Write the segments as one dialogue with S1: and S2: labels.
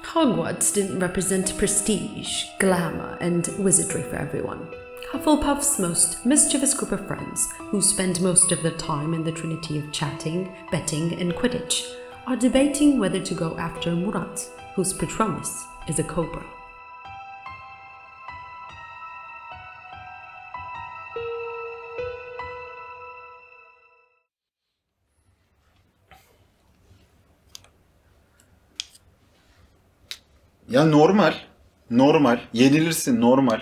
S1: Hogwarts didn't represent prestige, glamour, and wizardry for everyone. Hufflepuff's most mischievous group of friends, who spend most of their time in the trinity of chatting, betting, and Quidditch, are debating whether to go after Murat, whose Patronus is a cobra.
S2: Ya normal. Normal. Yenilirsin normal.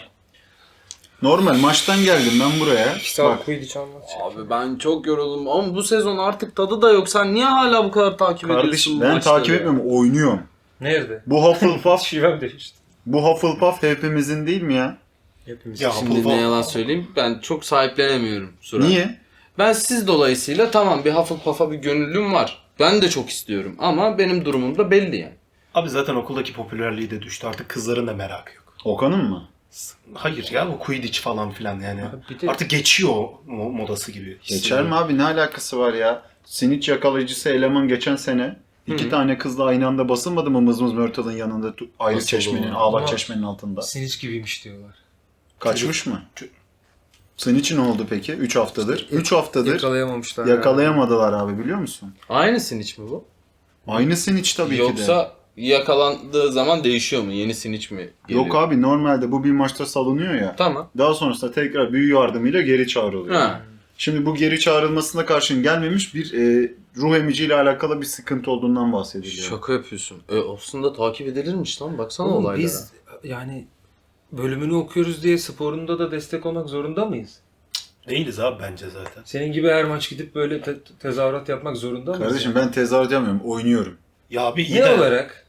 S2: Normal. Maçtan geldim ben buraya. Bak.
S3: Abi ben çok yoruldum ama bu sezon artık tadı da yok. Sen niye hala bu kadar takip ediyorsun
S2: Kardeşim
S3: bu
S2: ben
S3: maçları
S2: takip
S3: ya?
S2: etmiyorum. Oynuyorum.
S4: Nerede?
S2: Bu Hufflepuff,
S4: Şivem değişti.
S2: bu Hufflepuff hepimizin değil mi ya?
S4: Hepimiz.
S5: Ya
S3: Şimdi ne yalan söyleyeyim, ben çok sahiplenemiyorum Suray.
S2: Niye?
S3: Ben siz dolayısıyla tamam, bir Hufflepuff'a bir gönüllüm var. Ben de çok istiyorum ama benim durumum da belli yani.
S5: Abi zaten okuldaki popülerliği de düştü. Artık kızların da merakı yok.
S2: Okan'ın mı?
S5: Hayır ya, bu Quidditch falan filan yani.
S4: bir de-
S5: Artık geçiyor o modası gibi.
S2: Geçer mi abi? Ne alakası var ya? Snitch yakalayıcısı eleman geçen sene iki tane kızla aynı anda basılmadı mı Mızmız Mörtal'ın yanında ayrı
S3: Nasıl
S2: çeşmenin,
S3: olur?
S2: Ağlak
S4: Ama-
S2: çeşmenin altında?
S4: Siniç gibiymiş diyorlar.
S2: Kaçmış mı? Snitch'in ne oldu peki? 3 haftadır. 3 haftadır
S4: Yakalayamamışlar.
S2: yakalayamadılar abi biliyor musun?
S3: Aynı hiç mi bu?
S2: Aynı Snitch tabii ki de.
S3: Yoksa yakalandığı zaman değişiyor mu? Yeni hiç mi geliyor?
S2: Yok abi normalde bu bir maçta salınıyor ya.
S3: Tamam.
S2: Daha sonrasında tekrar büyü yardımıyla geri çağrılıyor.
S3: Ha.
S2: Şimdi bu geri çağrılmasına karşın gelmemiş bir ruh emiciyle alakalı bir sıkıntı olduğundan bahsediliyor.
S3: Şaka yapıyorsun. Aslında takip edilirmiş lan, baksana
S4: Oğlum
S3: olaylara.
S4: biz yani bölümünü okuyoruz diye sporunda da destek olmak zorunda mıyız?
S5: Değiliz abi bence zaten.
S4: Senin gibi her maç gidip böyle tezahürat yapmak zorunda mıyız?
S2: Kardeşim ben tezahürat yapmıyorum, oynuyorum.
S5: Ya abi iyi
S4: Ne
S5: de
S4: olarak?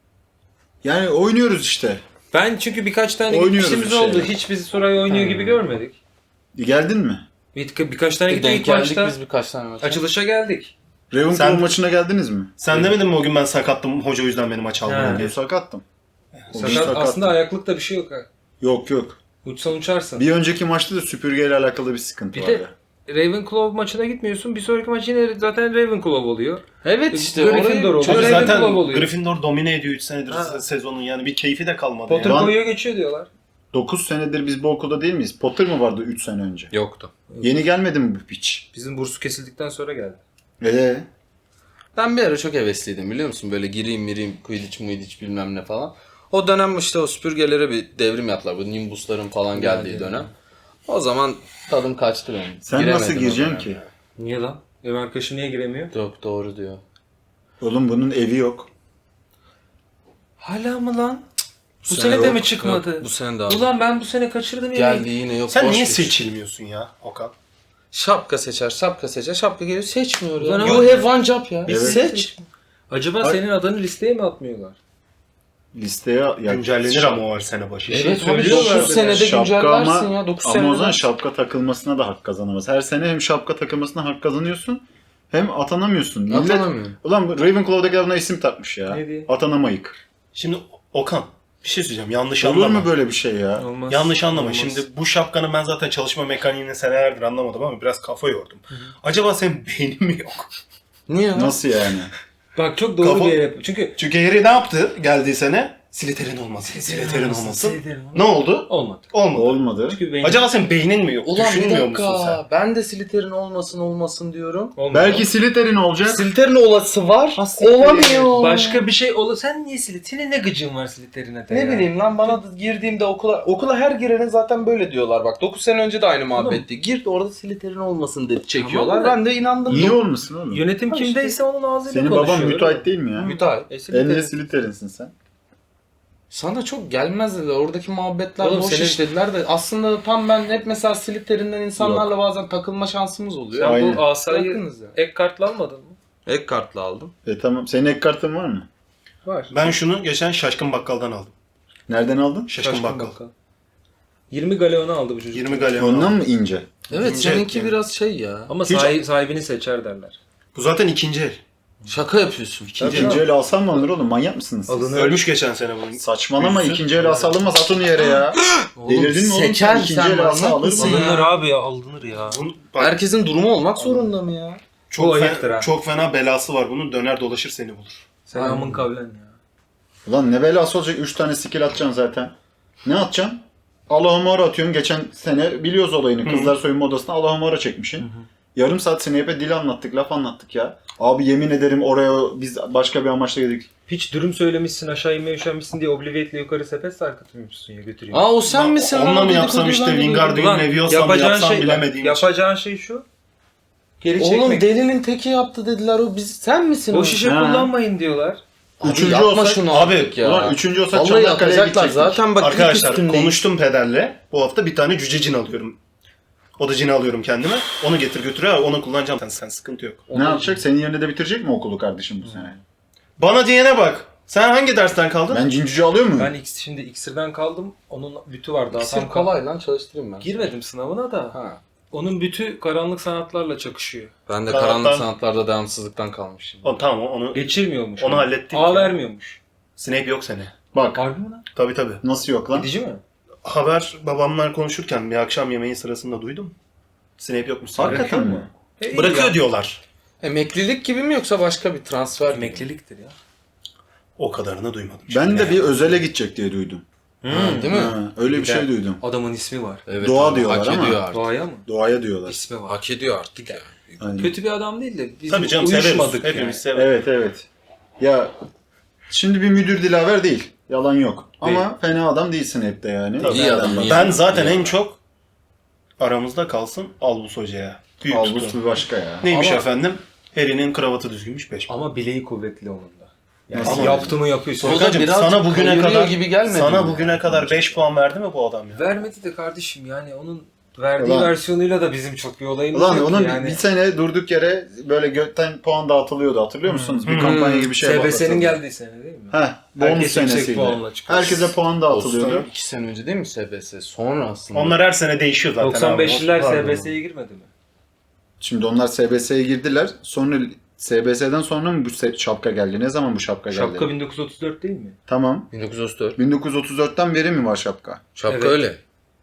S2: Yani oynuyoruz işte.
S4: Ben çünkü birkaç tane
S2: Oynuyoruz
S4: gitmişimiz
S2: bir
S4: oldu.
S2: şeyler.
S4: Hiç bizi Suray oynuyor gibi görmedik.
S2: Geldin mi?
S4: Birkaç tane gittik
S3: Denk
S4: ilk
S3: geldik
S4: maçta.
S3: biz birkaç tane maça.
S4: Açılışa geldik.
S2: Ravenclaw maçına geldiniz mi?
S5: sen demedin mi o gün ben sakattım, hoca o yüzden beni maç almadı
S4: He.
S2: Ben
S5: diye.
S2: sakattım. O gün
S4: Sakat,
S2: sakattım.
S4: aslında ayaklıkta bir şey yok ha.
S2: Yok.
S4: Uçsan uçarsın.
S2: Bir önceki maçta da süpürgeyle alakalı bir sıkıntı
S4: Bir de
S2: vardı.
S4: Ravenclaw maçına gitmiyorsun. Bir sonraki maç yine zaten Ravenclaw oluyor.
S3: Evet işte.
S4: Gryffindor
S3: orayı-
S4: oldu.
S5: Abi
S4: Ravenclaw
S5: zaten
S4: oluyor.
S5: Gryffindor domine ediyor 3 senedir
S4: Ha.
S5: sezonun, yani bir keyfi de kalmadı
S4: Potter
S5: yani.
S2: Ben-
S4: koyuyor geçiyor diyorlar.
S2: 9 senedir biz bu okulda değil miyiz? Potter mı vardı 3 sene önce?
S3: Yoktu.
S2: Yeni gelmedi mi bu piç?
S4: Bizim bursu kesildikten sonra geldi.
S3: Ben bir ara çok hevesliydim biliyor musun? Böyle gireyim, Quidditch bilmem ne falan. O dönem işte o süpürgelere bir devrim yaptılar. Bu Nimbus'ların falan geldiği dönem. O zaman tadım kaçtı benim.
S2: Sen
S3: Giremedim
S2: nasıl
S3: o
S2: gireceksin
S3: dönem.
S2: ki?
S4: Niye lan? Ev arkadaşı niye giremiyor?
S3: Yok, doğru diyor.
S2: Oğlum bunun evi yok.
S4: Hala mı lan? Bu
S3: sene
S4: sene de
S3: yok,
S4: mi çıkmadı?
S3: yok, bu sene de abi.
S4: Ulan ben bu sene kaçırdım ya.
S3: Geldi yine yok.
S5: Sen
S3: boş
S5: niye
S3: geç.
S5: seçilmiyorsun ya Okan?
S3: Şapka seçer, şapka geliyor, seçmiyor ya.
S4: Ulan
S3: You
S4: ama-
S3: have one job ya.
S2: Evet.
S3: Seç.
S4: Acaba
S2: Ay-
S4: senin adını listeye mi atmıyorlar?
S2: Listeye ya
S5: Güncellenir ama o her sene başı.
S3: Evet,
S4: söylüyorlar
S3: 9
S4: bir de.
S3: senede
S2: şapka
S3: güncellersin ya. 9
S2: ama
S3: senede.
S2: o zaman şapka takılmasına da hak kazanamaz. Her sene hem şapka takılmasına hak kazanıyorsun hem atanamıyorsun. Millet,
S3: Atanamıyorum.
S2: ulan bu Ravenclaw'daki adına isim takmış ya.
S4: Ne diye?
S2: Atanamayık.
S5: Şimdi Okan bir şey söyleyeceğim, yanlış
S2: Olur
S5: anlama.
S2: mu böyle bir şey ya?
S4: Olmaz.
S5: Yanlış anlama.
S4: Olmaz.
S5: Şimdi bu şapkanın ben zaten çalışma mekaniğini senelerdir anlamadım ama biraz kafa yordum. Acaba senin beynin mi yok?
S3: Niye ya?
S2: Nasıl yani?
S4: Bak çok doğru
S5: Kafa-
S4: bir yere yap. Çünkü
S5: Çünkü Harry ne yaptı geldiği sene? Slytherin olmasın, Slytherin olmasın. Ne oldu?
S4: olmadı.
S5: Olmadı.
S2: Olmadı.
S4: Çünkü benim
S5: Acaba senin beynin mi yok?
S3: Ulan bir
S5: Düşünmüyor musun sen?
S3: dakika. Ben de Slytherin olmasın diyorum.
S4: olmadı.
S2: Belki Slytherin olacak.
S3: Slytherin olası var.
S4: Aslında
S3: Olamıyor.
S4: Başka bir şey olur. Sen niye Senin ne gıcın var Slytherin'e de
S3: Ne
S4: ya?
S3: bileyim lan, bana da girdiğimde okula her girenin zaten böyle diyorlar bak. 9 sene önce de aynı muhabbetti. Gir orada Slytherin olmasın dedi çekiyorlar.
S4: Tamam da-
S3: Ben de inandım.
S2: Niye olmasın oğlum?
S4: Yönetim kimdeyse onun ağzıyla
S2: Senin
S4: konuşuyor.
S2: baban müteahhit değil mi ya?
S3: Müteahhit.
S2: En de Slytherin'sin sen.
S3: Sana çok gelmez dediler. Oradaki muhabbetler
S4: Oğlum
S3: boş
S4: senin-
S3: iş dediler de aslında tam ben hep mesela Slytherin'den insanlarla bazen takılma şansımız oluyor.
S4: Sen
S2: Aynen.
S4: bu asayı
S3: Yakınız ya.
S4: ek kartla almadın mı?
S3: Ek kartla aldım.
S2: Tamam. Senin ek kartın var mı?
S4: Var.
S5: Ben şunu geçen Şaşkın Bakkal'dan aldım.
S2: Nereden aldın?
S5: Şaşkın Bakkal.
S4: 20 galeonu aldı bu çocuk.
S5: 20 galyon
S2: Ondan
S5: aldım.
S2: mı ince?
S3: Evet,
S5: İnce
S3: seninki
S5: yani.
S3: biraz şey ya.
S4: Ama
S2: Hiç-
S4: sahibini seçer derler.
S5: Bu zaten ikinci el.
S3: Şaka yapıyorsun.
S2: İkinci el alsam mı alınır oğlum? Manyak mısınız siz?
S4: Alınır.
S5: Ölmüş geçen sene bunun.
S2: Saçmalama,
S5: Büyüsün.
S2: ikinci el alsa alınmaz, at onu yere ya. Delirdin mi oğlum?
S3: seçer
S2: İkinci
S3: sen,
S2: el alsa
S3: manyak
S2: alır
S3: mısın
S2: mı?
S3: ya?
S4: Alınır abi ya alınır ya.
S5: Bunun, bak,
S3: Herkesin durumu olmak zorunda mı ya?
S5: çok,
S4: Bu ayıptır ha.
S5: çok fena belası var bunun. Döner dolaşır seni bulur.
S4: Selamın kavlen ya.
S2: Ulan ne belası olacak? 3 tane skill atacaksın zaten. Ne atacaksın? Allahümme atıyorsun. Geçen sene biliyoruz olayını. Kızlar soyunma odasına Allahümme çekmişsin. Yarım saat Snape'e dil anlattık, laf anlattık ya. Abi yemin ederim oraya biz başka bir amaçla geldik.
S4: Hiç dürüm söylemişsin, aşağı inmeye üşenmişsin diye Obliviate'le yukarı sepet sarkıtmışsın ya, götüreyim.
S3: Aa o sen misin lan?
S5: Onunla mı
S3: Dedikoduyu
S5: yapsam
S3: ben
S5: işte
S3: de duydum.
S5: Wingardium Leviosa mı yapsam bilemediğim için.
S4: Yapacağın şey şu. Geri
S3: Oğlum
S4: çekmek.
S3: delinin teki yaptı dediler. O biz sen misin?
S4: O şişe
S2: Ha.
S4: kullanmayın diyorlar.
S3: Abi
S2: Üçüncü
S3: yapma
S2: olsak-
S3: şunu
S5: Abi,
S3: artık ya.
S2: Ulan 3. olsak
S3: Vallahi
S2: Çanakkale'ye
S3: yapacaklar
S2: gidecektik.
S3: zaten bak
S5: Arkadaşlar
S3: üstündeyiz.
S5: konuştum pederle. Bu hafta bir tane cüce cin alıyorum. O da cini alıyorum kendime. Onu getir götür abi. Onu kullanacağım. Sen sıkıntı yok.
S2: Ne yapacak? Senin yerine de bitirecek mi okulu kardeşim bu sene?
S5: Bana diyene bak. Sen hangi dersten kaldın?
S2: Ben cincücü alıyor muyum?
S4: Ben şimdi iksirden kaldım. Onun bütü var daha
S3: İksir
S4: tam
S3: kolay lan çalıştırayım ben.
S4: Girmedim sınavına da.
S3: Ha.
S4: Onun bütü karanlık sanatlarla çakışıyor.
S3: Ben de
S5: Sanatlar-
S3: karanlık sanatlarda devamsızlıktan kalmışım.
S5: Tamam onu
S4: Geçirmiyormuş.
S5: Onu hallettik
S4: A
S5: ya.
S4: vermiyormuş.
S5: Snape yok seni.
S2: Bak
S4: Harbi mi lan?
S5: Tabii.
S2: nasıl yok lan?
S4: Gidici mi?
S5: Haber babamlar konuşurken bir akşam yemeği sırasında duydum. Snape yokmuş.
S2: Hakikaten mi?
S5: Bırakıyor diyorlar.
S3: Emeklilik gibi mi yoksa başka bir transfer mi?
S4: Emekliliktir ya.
S5: O kadarını duymadım.
S2: Ben de
S5: Ne?
S2: bir özele gidecek diye duydum.
S3: Ha, değil mi?
S2: Ha, öyle bir şey duydum.
S4: Adamın ismi var.
S3: Evet,
S2: Doğa
S3: abi,
S2: diyorlar
S3: hak
S2: ama.
S3: ediyor artık.
S4: Doğaya mı?
S2: Doğaya diyorlar.
S4: İsmi var.
S3: Hak ediyor artık ya.
S2: Aynen.
S4: Kötü bir adam değil de biz
S5: Tabii canım severiz.
S4: uyuşmadık
S5: Hepimiz
S4: yani.
S5: severiz.
S2: Evet. Ya şimdi bir müdür dilaver değil. Yalan yok. Ama fena adam değilsin hep de yani.
S5: Tabii.
S3: İyi adam. iyi
S5: Ben
S3: adam,
S5: zaten
S3: iyi
S5: en
S3: adam.
S5: çok aramızda kalsın Albus Hoca'ya. Büyük
S2: Albus
S5: tutun.
S2: bir başka ya.
S5: Neymiş
S4: Ama-
S5: efendim? Harry'nin kravatı düzgünmüş 5.
S4: Ama bileği kuvvetli onun da. Yani
S2: Nasıl?
S4: yaptı mı yapıyorsun.
S3: O da
S5: Furkancığım,
S3: birazcık
S5: sana bugüne
S3: kayırıyor
S5: kadar
S3: gibi gelmedi
S5: sana
S3: mi?
S5: bugüne kadar 5 puan verdi mi bu adam ya?
S4: Vermedi de kardeşim yani onun verdiği
S2: Ulan-
S4: versiyonuyla da bizim çok bir olayımız
S2: Ulan
S4: yok
S2: onun
S4: yani.
S2: bir sene durduk yere böyle gökten puan dağıtılıyordu hatırlıyor musunuz? Bir kampanya gibi bir şey
S4: SBS'nin geldiği sene değil mi?
S2: Heh, bonus
S4: Herkes yüksek
S2: senesiydi.
S4: puanla çıkıyor.
S2: Herkese puan dağıtılıyordu.
S3: Dostum 2 sene önce değil mi SBS? Sonra aslında.
S5: Onlar her sene değişiyor zaten.
S4: 95'liler
S5: abi.
S4: SBS'ye girmedi mi?
S2: Şimdi onlar SBS'ye girdiler. Sonra SBS'den sonra mı bu şapka geldi? Ne zaman bu şapka geldi?
S4: Şapka 1934 değil mi?
S2: Tamam.
S3: 1934.
S2: 1934'ten beri mi var şapka?
S3: Şapka
S4: Evet.
S3: öyle.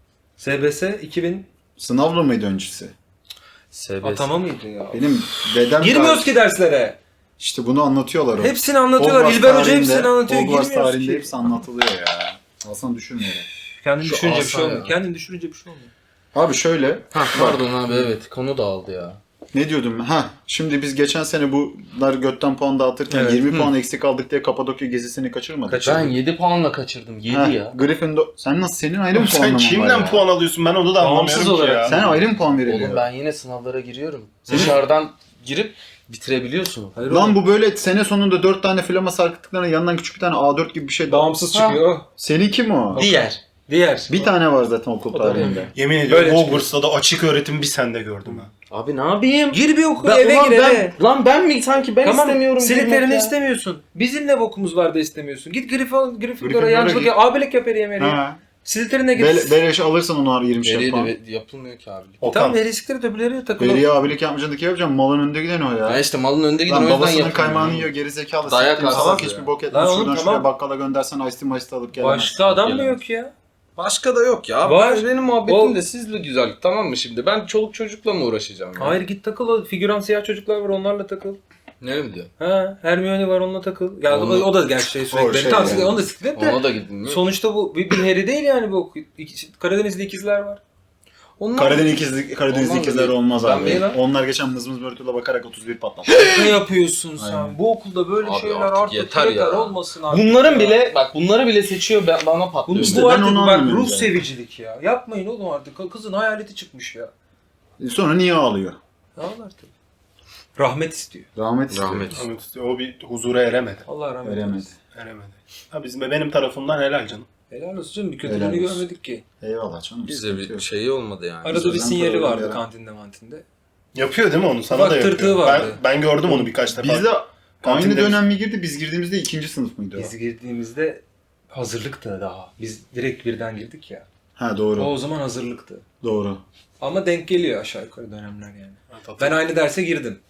S4: SBS 2000
S2: Sınavlı mıydı öncesi?
S3: SBS.
S4: atama mıydı ya?
S2: Benim dedem
S4: Girmiyoruz ki derslere.
S2: İşte bunu anlatıyorlar. o.
S4: Hepsini anlatıyorlar.
S2: Hogwarts
S4: İlber Hoca
S2: tarihinde-
S4: hepsini anlatıyor.
S2: Hogwarts
S4: Girmiyoruz
S2: tarihinde
S4: ki.
S2: hepsi anlatılıyor ya. Aslında düşünmüyorum.
S4: Kendin
S3: Şu
S4: düşününce bir
S3: asa
S4: şey olmuyor.
S3: ya.
S4: Kendin düşününce bir şey olmuyor.
S2: Abi şöyle.
S3: Ha pardon abi evet konu dağıldı ya.
S2: Ne diyordum? Şimdi biz geçen sene bunlar götten puan dağıtırken
S4: Evet.
S2: 20 puan eksik aldık diye Kapadokya gezisini kaçırmadık.
S3: Ben 7 puanla kaçırdım. 7
S2: Heh,
S3: ya.
S2: Gryffindor... Sen nasıl? Senin ayrı mı
S5: Sen
S2: puanlaman var
S5: kimden
S2: ya?
S5: puan alıyorsun? Ben onu da
S4: Bağımsız
S5: anlamıyorum ki
S4: olarak.
S5: ya.
S2: Sen ayrı mı puan veriliyor?
S3: Oğlum ben yine sınavlara giriyorum. Dışarıdan girip bitirebiliyorsun.
S4: Hayır,
S2: Lan bu böyle sene sonunda 4 tane flama sarkıttıklarına yanından küçük bir tane A4 gibi bir şey daha.
S4: bağımsız çıkıyor.
S2: Senin kim o?
S3: Diğer.
S4: Diğer.
S2: Bir tane var zaten okul
S4: O da
S2: tarihinde.
S5: Yemin ediyorum
S4: Böyle
S5: Hogwarts'ta da açık öğretim bir sende gördüm ha.
S3: Abi ne yapayım?
S4: Gir bir okul
S3: Ben,
S4: eve
S3: ulan
S4: gir
S3: ben,
S4: eve.
S3: Lan ben mi sanki ben
S4: Tamam
S3: istemiyorum.
S4: Slytherin'i
S3: girmek ya.
S4: istemiyorsun. Bizim ne bokumuz var da istemiyorsun. Git Gryffindor'a
S2: Gryffindor'a
S4: yancılık
S2: git.
S4: yap. Abilik yap Harry'e Mary'e.
S2: Ha.
S4: Slytherin'e git.
S2: Beleş alırsan onu 20
S3: Veriye
S2: puan.
S3: de yapılmıyor ki abi.
S5: Okan.
S4: Tamam Harry'sikleri öbürleri takılıyor.
S2: Veriye abilik yapmayacaksın da ki yapacağım. Malın önünde giden o ya.
S3: Ya işte malın önünde giden o
S2: Lan
S3: yüzden
S2: babasının
S3: yapıyorum.
S2: kaymağını yiyor gerizekalı.
S3: Dayak
S2: Siktir
S3: arsız
S2: salak
S3: ya.
S2: hiçbir bok
S4: Lan
S2: etmez.
S4: oğlum
S2: Şuradan
S4: tamam.
S2: şuraya bakkala göndersen ice tea alıp gelemez.
S4: Başka adam mı
S3: Gelemez.
S4: yok ya?
S3: Başka da yok ya.
S4: Var.
S3: Benim muhabbetim
S4: O-
S3: de sizle güzel. Tamam mı şimdi? Ben çoluk çocukla mı uğraşacağım ya?
S4: Hayır git takıl o figüran siyah çocuklar var onlarla takıl.
S3: Ne mi diyor?
S4: Ha Hermione var onunla takıl. Ya
S3: Onu-
S4: o da gerçi sürekli.
S2: şey
S4: Tamam
S2: yani.
S4: onu da siklet de.
S3: Ona da gidin mi?
S4: Sonuçta bu bir Harry değil yani bu. Karadeniz'de ikizler var.
S3: Onlar...
S2: Karadeniz
S3: Onlar
S2: ikizler
S3: da-
S2: olmaz
S3: Ben
S2: abi.
S3: niye lan?
S2: Onlar geçen mızmız börtüyle bakarak 31 patlattı.
S4: Ne yapıyorsun sen?
S2: Aynen.
S4: Bu okulda böyle
S3: Abi
S4: şeyler
S3: artık
S4: artık
S3: yeter ya.
S4: olmasın artık.
S3: Bunların
S4: ya.
S3: bile bak bunları bile seçiyor bana patlıyor.
S2: İşte
S4: Bu
S2: ben
S4: artık
S2: onu
S4: bak
S2: anlamıyorum
S4: ruh
S2: yani.
S4: sevicilik ya. Yapmayın oğlum artık. Kızın hayaleti çıkmış ya.
S2: Sonra niye ağlıyor?
S4: Ne var tabii. Rahmet istiyor.
S2: Rahmet istiyor.
S3: Rahmet.
S5: O bir huzura eremedi.
S4: Allah rahmet
S2: Veremedi.
S4: eylesin.
S5: Eremedi. Ha benim tarafımdan helal canım.
S4: Helal olsun canım. Bir kötülüğünü
S2: Helal olsun.
S4: görmedik ki.
S2: Eyvallah canım.
S3: Bize
S2: sıkıntı
S3: bir
S2: yok.
S3: şeyi olmadı yani.
S4: Arada bir
S2: özen
S4: sinyali
S2: koyalım
S4: vardı
S2: ya.
S4: kantinde.
S5: Yapıyor değil mi onu? Sana
S4: Ufak
S5: da yapıyor.
S4: tırtığı vardı.
S5: Ben gördüm onu birkaç defa.
S2: Biz de aynı
S5: Kantinde
S2: dönem mi girdi? Biz girdiğimizde 2. sınıf mıydı o?
S4: Biz girdiğimizde hazırlıktı daha. Biz direkt birden girdik ya.
S2: Ha doğru.
S4: O zaman hazırlıktı.
S2: Doğru.
S4: Ama denk geliyor aşağı yukarı dönemler yani.
S5: Evet,
S4: Ben aynı derse girdim.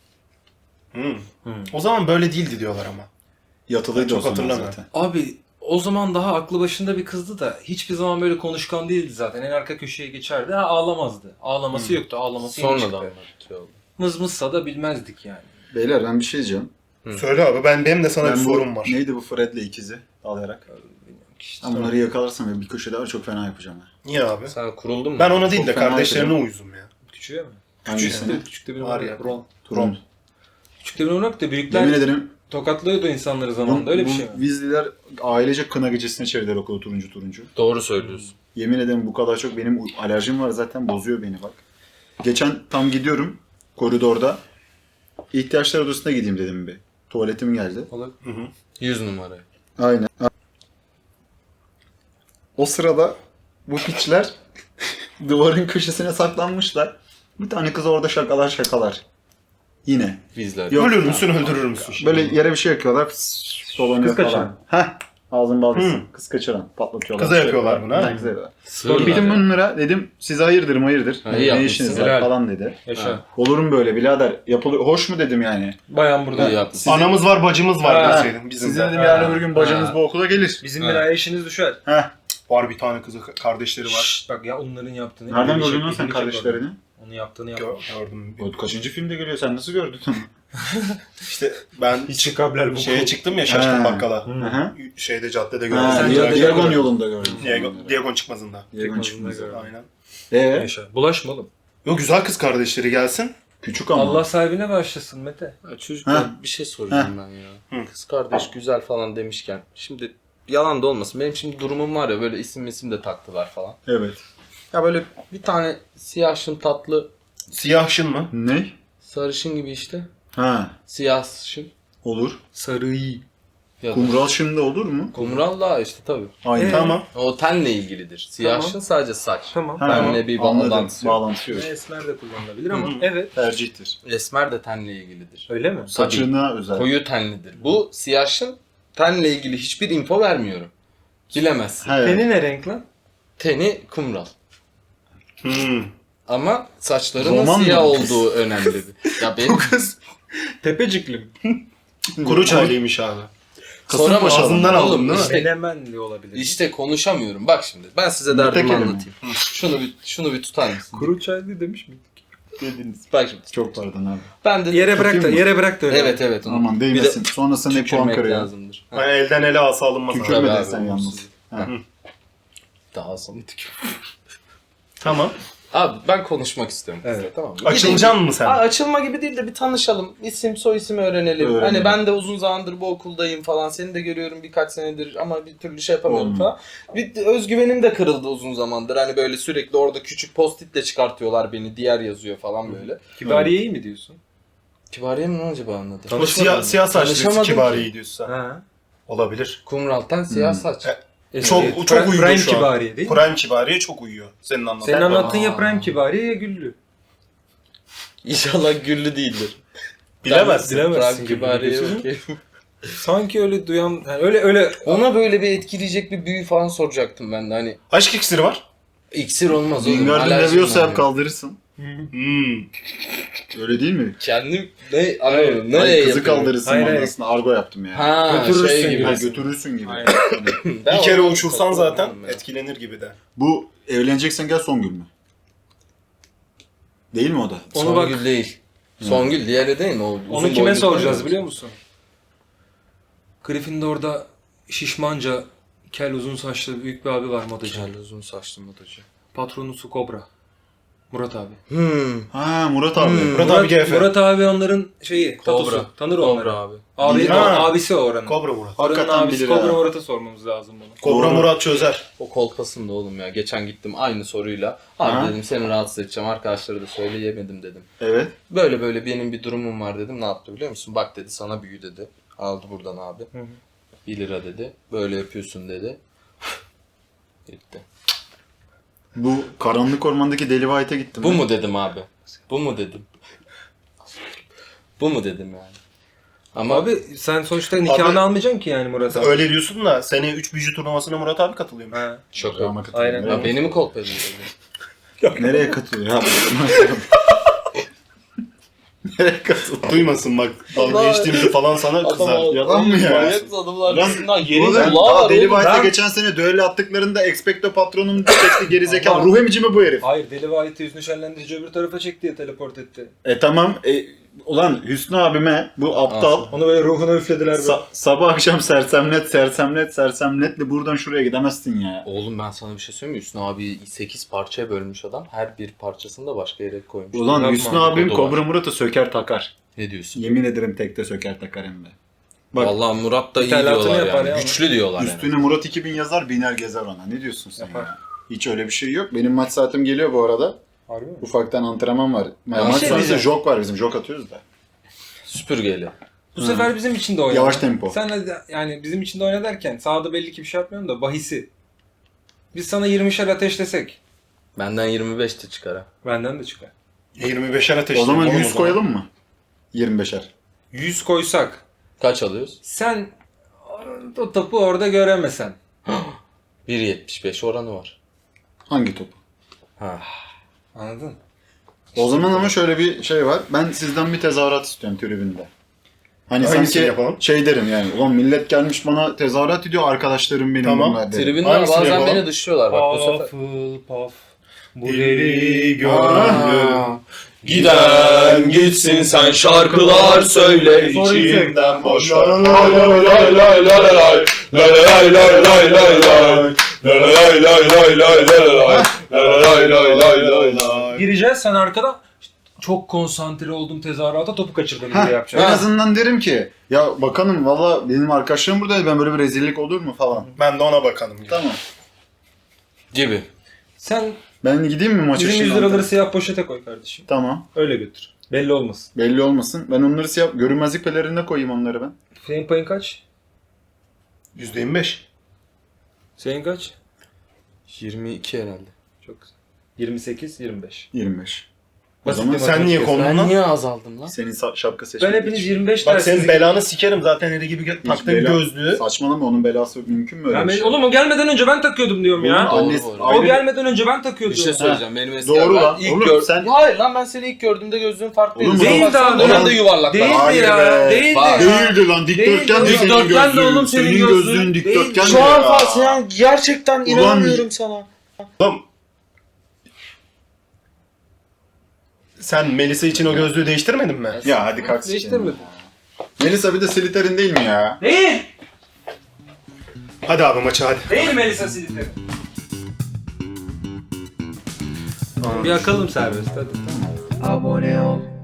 S5: O zaman böyle değildi diyorlar ama.
S2: Yatılıydı
S5: Çok
S2: o zaman
S5: hatırlamıyorum.
S2: zaten.
S4: Abi o zaman daha aklı başında bir kızdı da hiçbir zaman böyle konuşkan değildi zaten. En arka köşeye geçerdi. Ha ağlamazdı. Ağlaması yoktu. Ağlaması yeni
S3: Sonradan
S4: çıktı.
S3: anlatıyor.
S4: Mızmızsa da bilmezdik yani.
S2: Beyler ben bir şey diyeceğim.
S5: Söyle abi, benim de sana
S2: Ben
S5: bir
S2: bu,
S5: sorum var.
S2: neydi bu Fred'le ikizi dalayarak? Ben bunları yakalarsam ve bir köşede var çok fena yapacağım.
S5: Niye abi?
S3: Sen kuruldun mu?
S5: Ben ona değil
S2: Çok
S5: de
S2: fena
S5: kardeşlerine
S2: yapacağım.
S5: uyuzum ya.
S4: Küçüğe mi?
S2: Hangisini?
S4: Küçükte bir
S5: Var
S4: var
S5: ya.
S4: ya. Ron.
S2: Turon.
S4: Küçükte bir oynak da büyükler
S2: Yemin ederim
S4: tokatlıyordu insanları zamanında. Öyle bir şey mi?
S2: Weasley'ler ailecek kına gecesine çevirdiler okulu turuncu.
S3: Doğru söylüyorsun.
S2: Yemin ederim bu kadar çok benim alerjim var zaten bozuyor beni bak. Geçen tam gidiyorum koridorda. İhtiyaçlar odasına gideyim dedim bir. Tuvaletim geldi.
S4: Olur.
S3: 100 numara.
S2: Aynen. O sırada bu piçler duvarın köşesine saklanmışlar. Bir tane kız orada şakalar. Yine.
S3: Bizler.
S2: Yok.
S5: Ölür müsün, öldürür müsün şimdi?
S2: Böyle yere bir şey yakıyorlar. Dolanıyor
S4: Kız
S2: falan. Heh. Ağzın balgası. Kız kaçıran. Patlatıyorlar.
S5: Kıza yapıyorlar bunu, ha?
S2: Ha, kıza yapıyorlar.
S3: Sığırlar.
S2: Gittim bunlara dedim size hayırdır.
S3: Ha,
S2: Ne
S3: iyi yapmışsın.
S2: işiniz var
S4: Helal.
S2: falan dedi.
S4: Yaşa.
S2: Olur mu böyle birader? Yapılıyor. Hoş mu dedim yani.
S4: Bayan burada.
S3: İyi yaptın.
S5: Anamız var, bacımız var
S4: Ha.
S5: deseydin. Bizim
S2: Sizin
S5: de.
S2: dedim yarın öbür gün bacınız
S4: Ha.
S2: bu okula gelir.
S4: Bizim
S3: Ha.
S4: bir işiniz düşer.
S2: Heh.
S5: Var bir tane kızı, kardeşleri var.
S4: Şşt, bak ya onların yaptığını.
S2: Nereden
S4: bir
S2: gördün
S4: şey-
S2: lan sen
S4: bir şey
S2: kardeşlerini?
S4: gördüm. Onun yaptığını yapma.
S5: Gördüm.
S2: O kaçıncı filmde geliyor? Sen nasıl gördün?
S5: İşte ben
S4: Hiç kabler bu.
S5: şeye çıktım ya, Şaşkın
S2: Ha.
S5: Bakkala.
S2: Hı.
S5: Şeyde caddede
S2: Ha,
S5: gördüm.
S4: Sen
S2: Diagon yolunda gördüm.
S5: Diagon çıkmazında.
S2: Diagon
S4: Çıkmazında
S2: çıkmaz.
S4: gördüm.
S5: Aynen.
S4: Yaşa. Bulaşma oğlum.
S5: Yo, güzel kız kardeşleri gelsin.
S2: Küçük ama.
S4: Allah sahibine başlasın Mete.
S3: Ya çocuklar
S2: Ha.
S3: bir şey soracağım ben ya. Kız kardeş güzel falan demişken. Şimdi yalan da olmasın. Benim şimdi durumum var ya böyle isim de taktılar falan.
S2: Evet.
S3: Ya böyle bir tane siyahşın tatlı
S5: Siyahşın mı?
S2: Ne?
S3: sarışın gibi işte.
S2: Ha.
S3: Siyahşın.
S2: Olur.
S4: Sarıyı.
S3: Ya da
S2: Kumral şimdi olur mu?
S3: kumral da işte tabii.
S2: Aynen.
S5: Tamam.
S3: O tenle ilgilidir. Siyahşın sadece saç.
S4: Tamam.
S2: Ha,
S3: Benle bir
S2: anladım.
S3: bağlantısı yok.
S2: Bağlantısı yok.
S4: Esmer de kullanılabilir ama evet.
S2: Tercihtir.
S3: Esmer de tenle ilgilidir.
S4: Öyle mi?
S2: Saçına özel.
S3: Koyu tenlidir. Bu siyahşın tenle ilgili hiçbir info vermiyorum. Bilemezsin.
S2: He.
S4: Teni ne renk lan?
S3: Teni kumral.
S5: Hmm.
S3: Ama saçlarının
S2: Roman
S3: siyah
S2: mı bu kız?
S3: olduğu önemli. Ya benim
S5: Kız
S4: Tepecikli mi?
S5: kuru çaylıymış abi.
S2: Kasımpaşa
S5: ağzından
S2: adam.
S5: aldın
S3: oğlum
S5: değil mi?
S3: işte,
S4: Menemenli olabilir.
S3: işte konuşamıyorum. Bak şimdi ben size derdimi
S2: Mütekeli mi?
S3: anlatayım. Şunu bir tutar mısın?
S4: Kuru çaylı demiş miydik?
S3: Dediniz. Bak şimdi.
S2: Çok pardon abi.
S3: Ben de
S4: Yere bırak da,
S2: Tutayım mı?
S4: yere bırak da öyle.
S3: evet. Onu.
S2: Aman
S3: Bir de
S2: değmesin. Sonrasında ne puan
S3: tükürmek
S2: kırıyor.
S3: lazımdır. Ha.
S5: Hani elden ele asa alınmaz. abi.
S2: Tükürme
S3: Tabii
S2: desen
S3: abi,
S2: yalnız.
S3: olumsuz.
S2: Ha.
S3: Daha sonra tükür.
S5: Tamam.
S3: Abi ben konuşmak istiyorum kızla,
S4: Evet.
S3: tamam mı?
S5: Açılacaksın mı sen?
S3: Aa, açılma gibi değil de bir tanışalım. İsim soy ismi öğrenelim.
S2: Öğrenelim.
S3: Hani ben de uzun zamandır bu okuldayım falan. Seni de görüyorum birkaç senedir ama bir türlü şey yapamıyorum
S2: Olmuyor.
S3: falan. Bir özgüvenim de kırıldı uzun zamandır. Hani böyle sürekli orada küçük post-itle çıkartıyorlar beni. Diğer yazıyor falan böyle.
S4: Kibariye'yi mi diyorsun?
S3: Kibariye mi lan acaba anladı?
S5: O siyah saçlı
S3: Tanışamadım
S5: kibariyi diyorsun sen.
S4: Ha.
S5: Olabilir.
S3: Kumral'tan siyah saç.
S5: Çok uyuyor
S4: Prime
S5: şu an.
S4: Kibariye değil mi?
S5: Prime kibariye çok uyuyor. Senin anlattığın.
S4: Senin anlattığın ya
S3: Aa.
S4: Prime Kibariye ya Güllü.
S3: İnşallah güllü değildir.
S5: Bilemezsin.
S4: Bilemezsin
S3: Prime
S4: gibi
S3: Kibariye
S4: diyorsun.
S3: okey.
S4: Sanki öyle duyan, yani öyle
S3: Ona böyle bir etkileyecek bir büyü falan soracaktım ben de. Hani
S5: Aşk iksiri var.
S3: iksir olmaz oğlum.
S2: Wingardium
S3: alerjim
S2: Leviosa
S3: var
S2: hep
S3: benim.
S2: kaldırırsın.
S5: Hmm.
S2: Öyle değil mi?
S3: Kendim ne anlamadım.
S2: Hayır,
S3: Nereye
S2: kızı
S3: yapıyorum?
S2: kaldırırsın
S4: Hayır, hayır.
S2: manasında. Argo yaptım yani.
S3: Ha,
S4: Götürürsün
S3: şey gibi.
S2: Ha,
S4: gibi.
S2: götürürsün gibi.
S4: Aynen.
S3: Ben
S5: Bir kere
S3: ona
S5: uçursan
S3: takıldım
S5: zaten
S3: ya.
S5: etkilenir gibi de.
S2: Bu evleneceksen gel Songül mü? Değil mi o da?
S4: Onu
S3: Songül
S4: bak-
S3: değil. Songül diğeri değil mi? O uzun
S4: Onu kime
S3: boylu
S4: soracağız
S3: falan.
S4: biliyor musun? Gryffindor'da şişmanca, kel uzun saçlı büyük bir abi var modacı.
S3: Kel uzun saçlı modacı.
S4: Patronusu Kobra. Murat abi.
S2: Ha Murat abi.
S5: Murat abi GF.
S4: Murat abi onların şeyi, tatusu. Tanır onları.
S3: Kobra abi.
S4: Abi,
S2: Bilir.
S5: Ha.
S4: abisi o oranın.
S5: Kobra Murat.
S4: Oranın
S2: Hakikaten
S4: abisi
S2: bilir
S4: Kobra
S2: ha.
S4: Murat'a sormamız lazım bunu.
S5: Kobra
S2: Doğru.
S5: Murat çözer.
S3: O kolpasında oğlum ya. Geçen gittim aynı soruyla. Abi
S2: Aha.
S3: dedim seni rahatsız edeceğim. Arkadaşlara da söyleyemedim dedim.
S2: Evet.
S3: Böyle benim bir durumum var dedim. Ne yaptı biliyor musun? Bak dedi sana büyü dedi. Aldı buradan abi. 1 lira dedi. Böyle yapıyorsun dedi. Gitti.
S2: Bu karanlık ormandaki Deli White'e gittim.
S3: Bu
S2: ben.
S3: mu dedim abi? Bu mu dedim? Bu mu dedim yani? Ama
S4: Abi sen sonuçta nikahını
S5: Abi-
S4: almayacaksın ki yani Murat abi.
S5: Öyle diyorsun da seneye 3 büyücü turnuvasına Murat abi katılıyor.
S4: Ha.
S3: çok
S2: Ama katılıyor.
S4: Aynen.
S2: Nereye-
S3: Ya beni mi kolpadın dedi?
S2: Nereye katılıyor ya? Nereye katılıyor?
S5: Duymasın bak. Dalga
S3: Allah.
S5: geçtiğimizi falan sana kızar.
S2: Yalan mı ya?
S3: Manyak adamlar
S2: Lan,
S3: arasından yerin
S2: Oğlum,
S3: kulağı
S2: daha
S3: var
S2: Deli
S3: oğlum.
S2: White'e
S4: Ben-
S2: geçen sene düello attıklarında Expecto Patronum çekti gerizekalı.
S4: Ama-
S2: Ruh emici mi bu herif?
S4: Hayır Deli White'ı yüzünü şenlendirici öbür tarafa çekti ya teleport etti.
S2: Tamam. Ulan Hüsnü abime bu aptal
S4: Onu böyle ruhuna üflediler böyle.
S2: sabah akşam sersemletle buradan şuraya gidemezsin ya.
S3: Oğlum ben sana bir şey söyleyeyim mi? Hüsnü abi 8 parçaya bölmüş adam. Her bir parçasını da başka yere koymuş.
S2: Ulan
S4: Yapma
S2: Hüsnü
S4: abi,
S2: abim
S3: kodu var.
S2: Kobra Murat'ı söker takar.
S3: Ne diyorsun?
S2: Yemin ederim tekte söker takar hem de. Bak
S3: Vallahi Murat da iyi
S4: İthalatını
S3: diyorlar
S4: yapar
S3: yani.
S4: ya.
S3: Güçlü diyorlar yani.
S2: üstüne Murat 2000 yazar biner gezer ona. Ne diyorsun sen
S4: Yapar.
S2: ya? Hiç öyle bir şey yok. Benim maç saatim geliyor bu arada.
S4: Harbi mi?
S2: Ufaktan antrenman var. Maç
S3: şey
S2: sonrası
S4: diyeceğim.
S2: jog var bizim. Jog atıyoruz da.
S3: Süpürgeyle.
S4: Bu sefer bizim için de oyna.
S2: Yavaş tempo.
S4: Sen de yani bizim için de oyna derken sahada belli ki bir şey yapmıyorum da bahisi. Biz sana 20'şer ateşlesek.
S3: Benden 25 de çıkar ha.
S4: Benden de çıkar.
S5: 25'er ateşli.
S2: O zaman 100 koyalım mı? 25'er.
S4: 100 koysak.
S3: Kaç alıyoruz?
S4: Sen o topu orada göremesen.
S3: 1.75 oranı var.
S2: Hangi topu?
S3: Ha.
S4: Anladın?
S2: O zaman ama şöyle bir şey var. Ben sizden bir tezahürat istiyorum tribünde. Hani
S5: Hangisini
S2: sanki
S5: yapalım?
S2: şey derim yani. Ulan millet gelmiş bana tezahürat ediyor. Arkadaşlarım benim
S5: Tamam.
S2: bunlar derim.
S3: Tribünler
S5: Hangisini
S3: bazen
S5: yapalım?
S3: beni dışlıyorlar bak bu sefer.
S4: Puff. Bu
S5: Deli
S3: gönlüm. Giden gitsin sen şarkılar söyle
S5: içimden boş ver.
S3: lay lay lay lay lay lay lay lay lay lay lay lay lay lay lay lay lay lay.
S4: Gireceğiz sen arkada. Çok konsantre oldum tezahürata topu kaçırdım diye
S2: En
S4: yapacaksın.
S2: azından derim ki ya bakanım valla benim arkadaşlarım buradaydı. Ben böyle bir rezillik olur mu falan.
S5: Ben de ona bakalım.
S2: Tamam.
S3: Gibi.
S4: Sen
S2: Ben gideyim mi maça
S4: bizim 100
S2: şimdi?
S4: liraları siyah poşete koy kardeşim.
S2: Tamam.
S4: Öyle götür. Belli olmasın.
S2: Belli olmasın. Ben onları siyah görünmezlik pelerine koyayım onları ben.
S4: Senin payın kaç?
S5: %25.
S4: Senin kaç?
S3: 22 herhalde.
S4: Çok güzel. 28, 25.
S2: 25. O
S4: Basit
S2: zaman
S4: bir
S5: Sen niye
S4: matematik.
S5: kondun
S3: Ben
S5: lan?
S3: niye azaldım lan?
S2: senin şapka seçmek
S4: Ben hepiniz
S2: için.
S4: 25
S5: Bak
S4: dersiniz.
S5: senin belanı sikerim zaten eli gibi taktığın
S2: bela-
S5: gözlüğü.
S2: Saçmalama onun belası mümkün mü öyle bir şey?
S4: Oğlum o gelmeden önce ben takıyordum diyorum ya.
S2: Oğlum,
S3: Doğru
S2: annesi-
S3: bu arada.
S4: O
S2: ayrı-
S4: gelmeden önce ben takıyordum.
S3: Bir şey söyleyeceğim. Benim eski
S2: Doğru
S3: ben
S2: lan.
S3: ilk
S2: Oğlum sen-
S3: Hayır lan ben seni ilk gördüğümde gözlüğün farklıydı.
S2: Oğlum,
S3: Sen
S4: değil
S3: baksan
S4: daha,
S3: dönemde
S2: değil.
S3: yuvarlak.
S4: Değildi
S2: Hayır
S4: ya.
S2: be.
S4: Değildi.
S3: Bak.
S2: Değildi lan dikdörtgen de
S4: Değildi.
S2: senin
S4: Dikdörtgen de
S2: gözlüğün.
S4: oğlum senin
S2: Senin
S4: gözlüğün.
S2: gözlüğün dikdörtgen
S3: Şu
S2: de
S3: an
S2: ya.
S3: Fatih ya, gerçekten
S2: Ulan-
S3: inanamıyorum sana.
S5: Oğlum. Sen Melisa için o gözlüğü değiştirmedin mi?
S2: Ya hadi kalk sikeyim.
S4: Değiştirmedim.
S2: Melisa bir de Slytherin değil mi ya?
S4: Değil.
S5: Hadi abi maça hadi.
S4: Değil Melisa Silitleri. Bir yakalım serbest hadi.
S5: Abone ol.